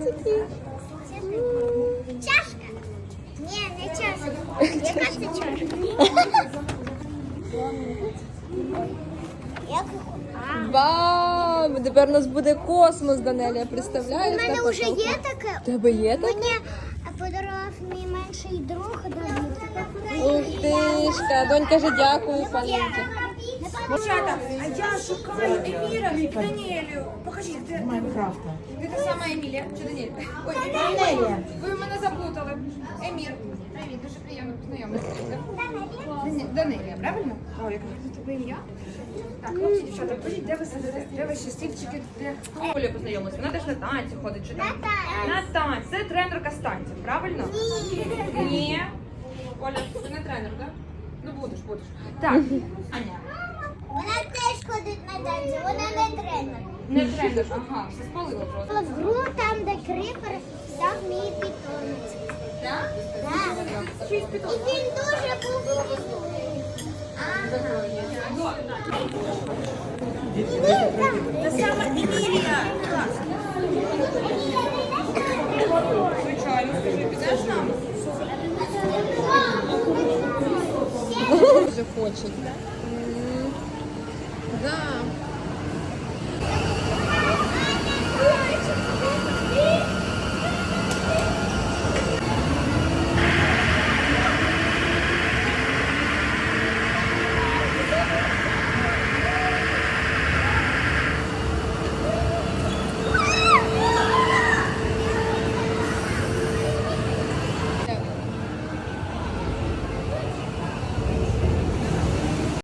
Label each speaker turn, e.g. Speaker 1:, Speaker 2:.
Speaker 1: такі.
Speaker 2: Чашка? Ні, не чашка. Яка це чашка? Як?
Speaker 1: Вау! Тепер у нас буде космос, Данелія, представляєш?
Speaker 2: У мене
Speaker 1: Так,
Speaker 2: вже
Speaker 1: отак.
Speaker 2: є таке.
Speaker 1: У тебе є таке?
Speaker 2: Мені подарував мій менший друг Давид.
Speaker 1: Ух тишка, донь каже дякую, Полінці.
Speaker 3: Дівчата, а я шукаю Еміра і Даніелю. Покажіть, де
Speaker 4: Майнкрафта.
Speaker 3: ви та сама Емілія чи Даніель? Ой,
Speaker 4: Данелія.
Speaker 3: ви мене заплутали. Емір. Привіт, дуже приємно познайомитися. Данелія, правильно? О, яке тебе ім'я? Так, хлопці, дівчата, покажіть, де ви сидите? Де ваші стільчики? Де? Оля познайомилася, вона теж на танці ходить, чи там? На танці. Це тренерка з танців, правильно? Ні. Оля, ти не тренер, так? Ну будеш. Так, Аня.
Speaker 2: Вона теж ходить на танці, вона не тренер.
Speaker 3: Не тренер, ага, все спалила просто.
Speaker 2: В гру там, де крипер став мій питомець.
Speaker 3: Так?
Speaker 2: Так.
Speaker 3: Шість
Speaker 2: І
Speaker 3: питомців.
Speaker 2: він дуже був
Speaker 3: Та саме Емілія. Звичайно, скажи, підеш нам?
Speaker 1: Дуже хочуть.